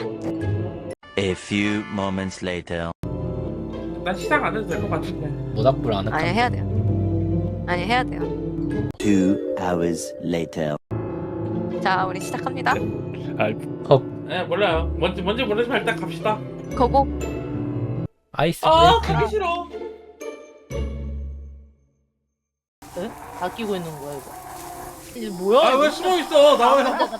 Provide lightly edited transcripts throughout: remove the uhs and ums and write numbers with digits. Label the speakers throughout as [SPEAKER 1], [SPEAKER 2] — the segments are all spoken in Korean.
[SPEAKER 1] A few moments later.
[SPEAKER 2] 난 시작 안 해도 될 것 같은데.
[SPEAKER 3] 모닥불 안 할까?
[SPEAKER 4] 아니 해야 돼요. 아니 해야 돼요.
[SPEAKER 1] 2 hours later.
[SPEAKER 4] 자 우리 시작합니다.
[SPEAKER 2] 네 몰라요. 뭔지 모르지만 일단 갑시다.
[SPEAKER 4] 고고.
[SPEAKER 3] 아이스
[SPEAKER 2] 아
[SPEAKER 3] 브레이킹.
[SPEAKER 2] 가기 싫어.
[SPEAKER 5] 에? 다 끼고 있는 거야 이거. 이게 뭐야?
[SPEAKER 2] 아 왜 숨어 있어? 나 왜?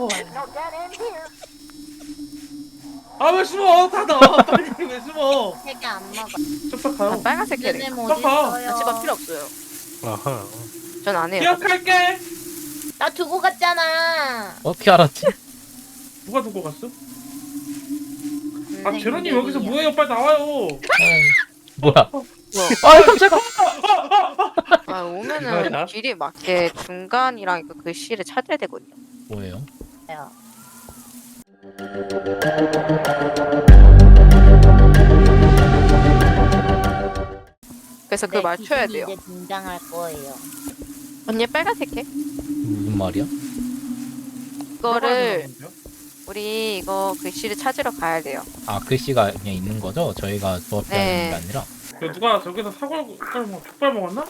[SPEAKER 2] 아왜 숨어? 닫아. 빨리 왜 숨어?
[SPEAKER 5] 세개 안 먹어.
[SPEAKER 2] 쭉
[SPEAKER 4] 난
[SPEAKER 2] 가요.
[SPEAKER 4] 빨간색 캐릭.
[SPEAKER 5] 얘네
[SPEAKER 2] 어,
[SPEAKER 5] 어디 있어요?
[SPEAKER 4] 나 집안 필요 없어요.
[SPEAKER 6] 아하.
[SPEAKER 4] 전 안 해요.
[SPEAKER 2] 기억할게.
[SPEAKER 5] 나 두고 갔잖아.
[SPEAKER 3] 어떻게 알았지?
[SPEAKER 2] 누가 두고 갔어? 아 제로님 여기서 뭐해요? 빨리 나와요.
[SPEAKER 3] 뭐야?
[SPEAKER 4] 뭐야?
[SPEAKER 3] 아 깜짝아.
[SPEAKER 4] 아 오면은
[SPEAKER 6] 이거야?
[SPEAKER 4] 길이 맞게 중간이랑 이거 글씨를 찾아야 되거든요.
[SPEAKER 3] 뭐예요?
[SPEAKER 4] 그래서 그걸 맞춰야 돼요.
[SPEAKER 5] 이제 등장할 거예요.
[SPEAKER 4] 언니 빨간색 해?
[SPEAKER 3] 무슨 말이야?
[SPEAKER 4] 이거를 우리 이거 글씨를 찾으러 가야 돼요.
[SPEAKER 3] 아 글씨가 그냥 있는 거죠? 저희가 수업 때
[SPEAKER 4] 네.
[SPEAKER 3] 하는 게 아니라.
[SPEAKER 2] 누가 저기서 사골 족발 먹었나?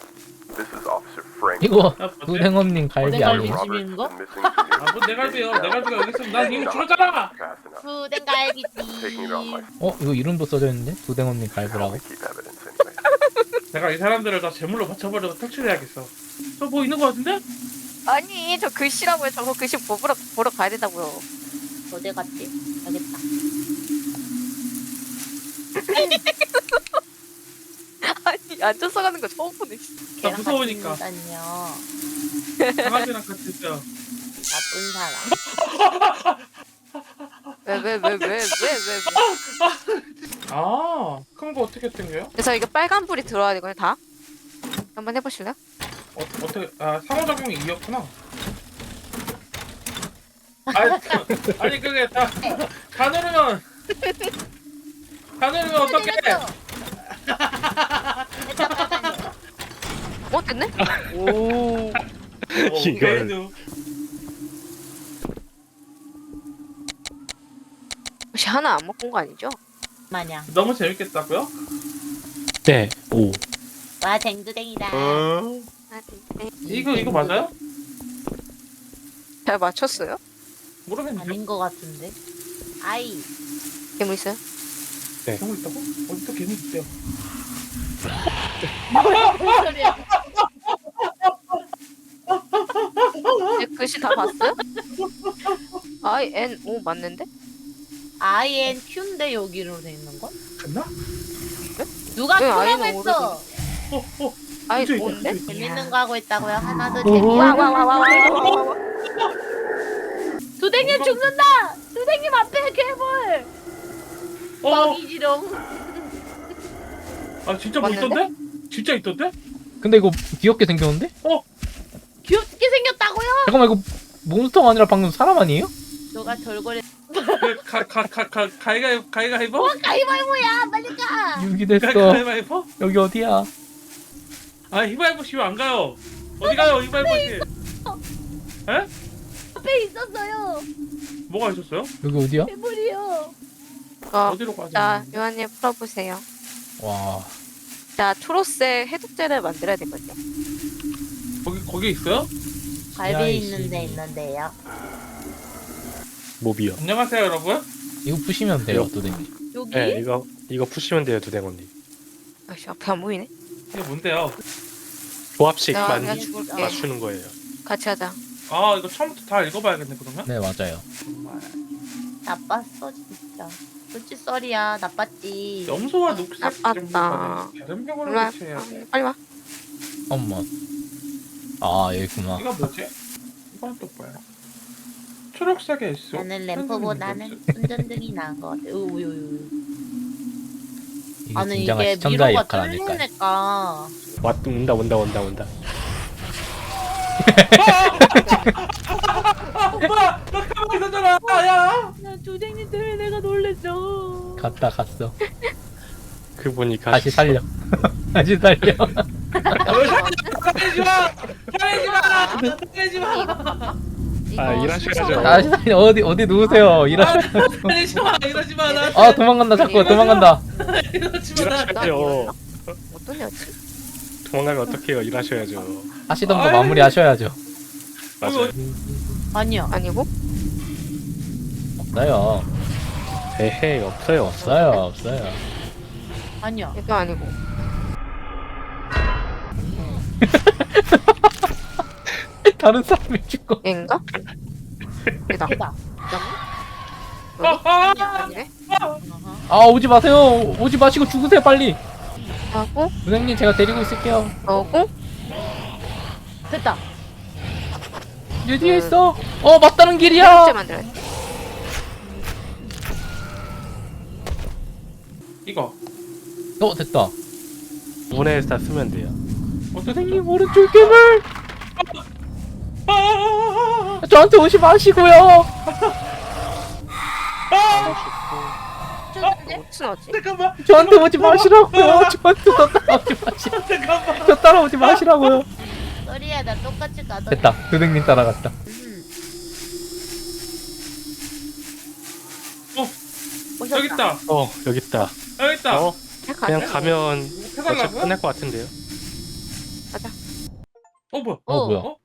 [SPEAKER 3] 이거
[SPEAKER 2] 야, 뭐지?
[SPEAKER 3] 두댕엄님 갈비
[SPEAKER 5] 고등갈비
[SPEAKER 3] 아니에요?
[SPEAKER 5] 집인가?
[SPEAKER 2] 아뭐 내 갈비요. 내 갈비가 여기 있으면 난 이미 죽었잖아.
[SPEAKER 5] 부den갈비집.
[SPEAKER 3] 어 이거 이름도 써져 있는데 두댕엄님 갈비라고?
[SPEAKER 2] 내가 이 사람들을 다 제물로 바쳐버려서 탈출해야겠어. 저 뭐 있는 거 같은데?
[SPEAKER 4] 아니 저 글씨라고요. 저거 글씨 보러 가야 된다고요.
[SPEAKER 5] 어디 갔지? 여기 있다.
[SPEAKER 4] 아니 앉아서 가는 거 처음 보네.
[SPEAKER 2] 나 무서우니까.
[SPEAKER 5] 다녀.
[SPEAKER 2] 강아지랑 같이 있어요.
[SPEAKER 5] 나쁜 사람.
[SPEAKER 4] 왜?
[SPEAKER 2] 아, 큰 거 어떻게 땡겨요?
[SPEAKER 4] 그래서 이거 빨간 불이 들어야 되거든요. 다. 한번 해보실래요?
[SPEAKER 2] 어떻게? 아, 상호작용이 2였구나. 아니 그게 다 누르면 어떡해?
[SPEAKER 5] 잠깐만요.
[SPEAKER 4] 어 됐네?
[SPEAKER 2] 오.
[SPEAKER 6] 이걸.
[SPEAKER 2] 그래도
[SPEAKER 4] 혹시 하나 안 먹은 거 아니죠?
[SPEAKER 5] 마냥.
[SPEAKER 2] 너무 재밌겠다고요?
[SPEAKER 6] 네. 오.
[SPEAKER 5] 와 댕두댕이다.
[SPEAKER 4] 아, 네.
[SPEAKER 2] 이거 맞아요?
[SPEAKER 4] 잘 맞췄어요?
[SPEAKER 2] 모르겠는데.
[SPEAKER 5] 아닌 거 같은데. 아이.
[SPEAKER 4] 괴물 있어요?
[SPEAKER 2] 괴물 있다고? 어디 또 괴물 있대요?
[SPEAKER 5] 무슨 소리야?
[SPEAKER 4] 이제 글씨 다 봤어요? INO 맞는데?
[SPEAKER 5] INQ인데 여기로 돼 있는 건?
[SPEAKER 2] 됐나?
[SPEAKER 5] 누가
[SPEAKER 4] 왜
[SPEAKER 5] Q라고
[SPEAKER 4] 아이는
[SPEAKER 5] 했어?
[SPEAKER 4] IO인데?
[SPEAKER 5] 재밌는 거 하고 있다고요? 하나도
[SPEAKER 4] 와
[SPEAKER 5] 재미없는
[SPEAKER 4] 와와와와
[SPEAKER 5] 두댕님 죽는다! 두댕님 앞에 괴물! 먹이지롱.
[SPEAKER 2] 아 진짜 뭐
[SPEAKER 4] 맞는데?
[SPEAKER 2] 있던데? 진짜 있던데?
[SPEAKER 3] 근데 이거 귀엽게 생겼는데?
[SPEAKER 5] 귀엽게 생겼다고요?
[SPEAKER 3] 잠깐만 이거 몬스터가 아니라 방금 사람 아니에요?
[SPEAKER 5] 너가 절거리.
[SPEAKER 2] 가위가위보?
[SPEAKER 5] 가위바위보야! 빨리 가!
[SPEAKER 3] 유기됐어.
[SPEAKER 2] 가위바위보?
[SPEAKER 3] 여기 어디야?
[SPEAKER 2] 아 히바이보 씨 왜 안 가요? 어디 가요 히바이보 씨?
[SPEAKER 5] 앞에 있었어요!
[SPEAKER 2] 뭐가 있었어요?
[SPEAKER 3] 여기 어디야?
[SPEAKER 5] 괴물이요!
[SPEAKER 2] 어디로 가자?
[SPEAKER 4] 자 요한님 풀어보세요.
[SPEAKER 3] 와.
[SPEAKER 4] 자 초록색 해독제를 만들어야 되거든요.
[SPEAKER 2] 거기 있어요?
[SPEAKER 5] 갈비
[SPEAKER 3] 야이씨.
[SPEAKER 5] 있는 데 있는데요.
[SPEAKER 6] 모비요.
[SPEAKER 2] 안녕하세요 여러분.
[SPEAKER 3] 이거 푸시면 돼요 두댕님.
[SPEAKER 5] 여기?
[SPEAKER 6] 네, 이거 푸시면 돼요, 두댕언니.
[SPEAKER 4] 아씨 앞에 안 보이네.
[SPEAKER 2] 이게 뭔데요?
[SPEAKER 6] 조합식
[SPEAKER 4] 나
[SPEAKER 6] 만
[SPEAKER 4] 그냥 죽을게.
[SPEAKER 6] 맞추는 거예요.
[SPEAKER 4] 같이 하자.
[SPEAKER 2] 아 이거 처음부터 다 읽어봐야겠네 그러면?
[SPEAKER 3] 네 맞아요.
[SPEAKER 2] 정말.
[SPEAKER 5] 나빴어 진짜. 솔직히 썰이야. 나빴지.
[SPEAKER 2] 염소와 녹색
[SPEAKER 4] 나빴다.
[SPEAKER 2] 다른 병원을
[SPEAKER 4] 일로 와.
[SPEAKER 2] 대체해야 돼.
[SPEAKER 4] 빨리 와.
[SPEAKER 3] 엄마. 아 여기구나.
[SPEAKER 2] 이거 뭐지? 이건 또 뭐야? 초록색에 있어.
[SPEAKER 5] 나는 램프보다는 운전등이 나은 것 같아. 우유유.
[SPEAKER 3] 이게
[SPEAKER 5] 아니
[SPEAKER 3] 진정한
[SPEAKER 5] 이게
[SPEAKER 3] 시청자
[SPEAKER 5] 미로가
[SPEAKER 3] 역할 아닐까요?
[SPEAKER 5] 뚫리니까.
[SPEAKER 6] 온다.
[SPEAKER 2] 뭐야? 너 가만히 있었잖아. 야.
[SPEAKER 5] 나 조쟁님 때문에 내가 놀랬어.
[SPEAKER 3] 갔어.
[SPEAKER 6] 그분이
[SPEAKER 3] 다시 살려. 다시 살려.
[SPEAKER 2] 살리지 마. 살리지 마. 살리지 마.
[SPEAKER 6] 일하셔야죠.
[SPEAKER 3] 다시 어디 누우세요. 일하셔.
[SPEAKER 2] 이러지 마, 이러지 마. 나
[SPEAKER 3] 아 도망간다 자꾸 도망간다.
[SPEAKER 2] 이러지 마.
[SPEAKER 6] 일하셔야죠.
[SPEAKER 4] 어떤 여지?
[SPEAKER 6] 도망가면 어떡해요. 일하셔야죠.
[SPEAKER 3] 하시던 거 마무리하셔야죠.
[SPEAKER 6] 맞아요.
[SPEAKER 5] 아니야.
[SPEAKER 4] 아니고?
[SPEAKER 3] 없어요.
[SPEAKER 6] 에헤이 없어요.
[SPEAKER 3] 없어요.
[SPEAKER 5] 아니야.
[SPEAKER 4] 이거 아니고.
[SPEAKER 3] 다른 사람이 죽고.
[SPEAKER 4] 얘인가? 얘다.
[SPEAKER 5] 걔다.
[SPEAKER 4] 여기? 아니네.
[SPEAKER 3] 아 오지 마세요. 오지 마시고 죽으세요 빨리.
[SPEAKER 4] 하고
[SPEAKER 3] 선생님 제가 데리고 있을게요.
[SPEAKER 4] 너고
[SPEAKER 5] 됐다.
[SPEAKER 3] 내 뒤에 있어. 맞다는
[SPEAKER 4] 번째
[SPEAKER 3] 길이야.
[SPEAKER 4] 만들어.
[SPEAKER 2] 이거.
[SPEAKER 3] 됐다.
[SPEAKER 6] 문에다 쓰면 돼요.
[SPEAKER 3] 선생님 오른쪽 괴물.
[SPEAKER 2] 아!
[SPEAKER 3] 저한테 오지 마시고요.
[SPEAKER 4] 무슨 어지?
[SPEAKER 2] 잠깐만.
[SPEAKER 3] 저한테 오지 마시라고요. 저한테 더 따라오지 마시라고.
[SPEAKER 2] 잠깐만.
[SPEAKER 3] 저 따라오지 마시라고요.
[SPEAKER 5] 소리야 나 똑같이 가던.
[SPEAKER 3] 됐다. 선생님 따라갔다.
[SPEAKER 2] 여기 있다.
[SPEAKER 6] 여기 있다.
[SPEAKER 2] 여기 있다.
[SPEAKER 6] 그냥 가면 어차피
[SPEAKER 2] 해달라고요?
[SPEAKER 6] 끝날 것 같은데요.
[SPEAKER 4] 가자.
[SPEAKER 2] 뭐야?
[SPEAKER 3] 뭐야?